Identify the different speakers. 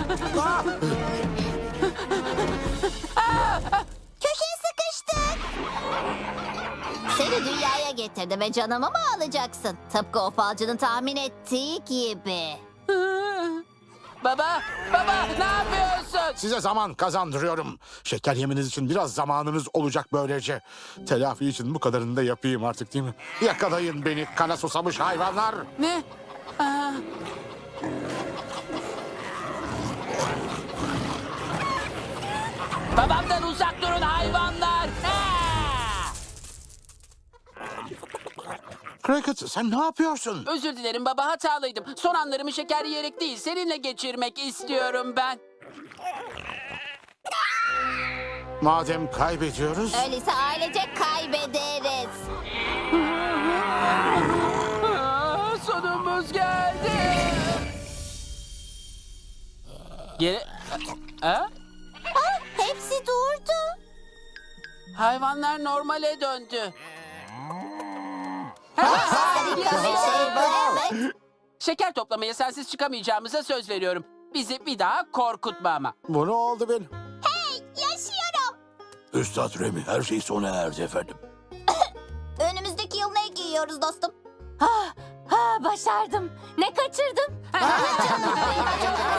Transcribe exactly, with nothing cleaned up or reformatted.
Speaker 1: Köşeye sıkıştık. Seni dünyaya getirdi ve canımı mı alacaksın? Tıpkı o falcının tahmin ettiği gibi.
Speaker 2: Baba, baba ne yapıyorsun?
Speaker 3: Size zaman kazandırıyorum. Şeker yemeniz için biraz zamanınız olacak böylece. Telafi için bu kadarını da yapayım artık değil mi? Yakalayın beni kana susamış hayvanlar.
Speaker 2: Ne? Aa. Babamdan uzak durun hayvanlar. Aa!
Speaker 3: Cricket sen ne yapıyorsun?
Speaker 2: Özür dilerim baba, hatalıydım. Son anlarımı şeker yiyerek değil, seninle geçirmek istiyorum ben.
Speaker 3: Madem kaybediyoruz...
Speaker 1: Öyleyse ailecek kaybederiz.
Speaker 2: Aa, sonumuz geldi. Geri... Ha?
Speaker 1: Ah, hepsi durdu.
Speaker 2: Hayvanlar normale döndü.
Speaker 1: Harika bir şey bu, evet.
Speaker 2: Şeker toplamaya sensiz çıkamayacağımıza söz veriyorum. Bizi bir daha korkutma ama.
Speaker 3: Bu ne oldu benim?
Speaker 1: Yaşıyorum.
Speaker 3: Üstad Remi her şey sona erdi efendim.
Speaker 1: Önümüzdeki yıl ne giyiyoruz dostum?
Speaker 4: Ha, başardım. Ne kaçırdım?
Speaker 1: Canım benim, çok